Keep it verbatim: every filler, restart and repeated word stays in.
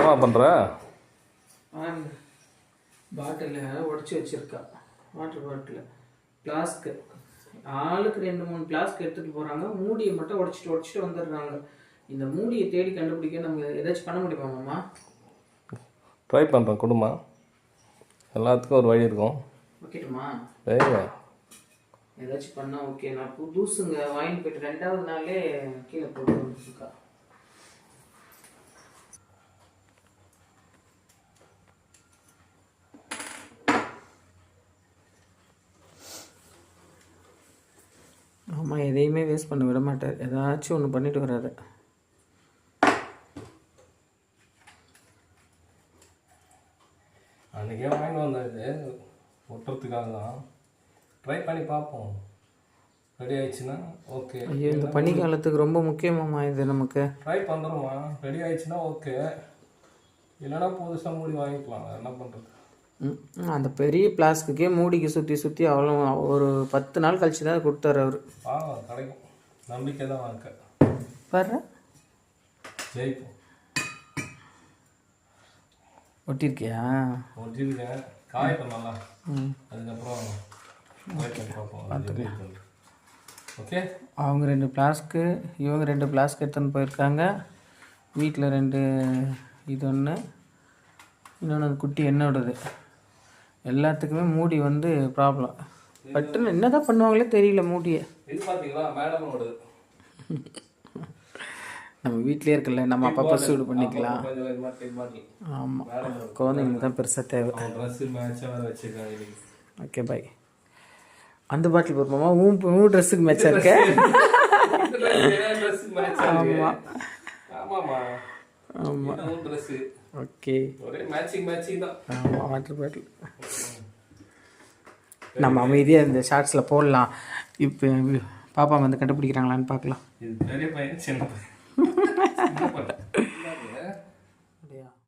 என்னவா பண்ணுற? பாட்டிலில் உடச்சி வச்சுருக்கா. வாட்டர் பாட்டில் ஃப்ளாஸ்க்கு ஆளுக்கு ரெண்டு மூணு ஃப்ளாஸ்க் எடுத்துகிட்டு போகிறாங்க. மூடியை மட்டும் உடச்சிட்டு உடச்சிட்டு வந்துடுறாங்க. இந்த மூடியை தேடி கண்டுபிடிக்க நம்ம ஏதாச்சும் பண்ண முடியுமாம்மா? ட்ரை பண்ணுறேன் கொடுமா. எல்லாத்துக்கும் ஒரு வழி இருக்கும். ஓகேட்டுமா? ஏங்க ஏதாச்சும் பண்ணால் ஓகே. நான் புதுசுங்க வாங்கிட்டு போயிட்டு ரெண்டாவது நாளே கீழே போட்டு வந்துருக்கா. ஆமாம், எதையுமே வேஸ்ட் பண்ண விட மாட்டார். ஏதாச்சும் ஒன்று பண்ணிட்டு வராது. அன்றைக்கே வாங்கிட்டு வந்தது ஒட்டுறதுக்காக தான். ட்ரை பண்ணி பார்ப்போம். ரெடி ஆயிடுச்சுன்னா ஓகே. ஐயோ, இந்த பனிக்காலத்துக்கு ரொம்ப முக்கியமாம்மா இது நமக்கு. ட்ரை பண்ணுறோம்மா. ரெடி ஆயிடுச்சுன்னா ஓகே, இல்லைன்னா புதுசாக மூடி வாங்கிக்கலாம். என்ன பண்ணுறது? அந்த பெரிய பிளாஸ்க்குக்கே மூடிக்கு சுற்றி சுற்றி அவ்வளோ ஒரு பத்து நாள் கழிச்சு தான் கொடுத்தாரு அவர். ஆ கிடைக்கும், நம்பிக்கை தான் வாங்க. பாரு ஜெயிப்போம். ஒட்டிருக்கியா? ஒட்டிருக்கேன். காய பண்ணலாம். அதுக்கப்புறம் பார்ப்போம். ஓகே. அவங்க ரெண்டு ஃப்ளாஸ்க்கு, இவங்க ரெண்டு ஃப்ளாஸ்க் எடுத்துன்னு போயிருக்காங்க. வீட்டில் ரெண்டு இது ஒன்று, இன்னொன்று அது குட்டி என்னோடது. எல்லாத்துக்குமே மூடி வந்து ப்ராப்ளம். பட்டுன்னு என்ன தான் பண்ணுவாங்களே தெரியல மூடியை. இது பார்த்தீங்களா மேடமோட? நம்ம வீட்டிலே இருக்கல, நம்ம அப்பப்போ சூடு பண்ணிக்கலாம். ஆமாம், குழந்தைங்களுக்கு தான் பெருசாக தேவை. Okay bye. அந்த பாட்டில் போடுமா? ஊ ஊ ட்ரெஸ்ஸுக்கு மேட்சாக இருக்க. ஆமாம் ஆமாம் ஓகே. ஆமாம், வாட்டர் பாட்டில் நம்ம அமைதியாக இந்த ஷார்ட்ஸில் போடலாம். இப்போ பாப்பா வந்து கண்டுபிடிக்கிறாங்களான்னு பார்க்கலாம். இது பெரிய பையன் சின்ன பையன். அப்படியா?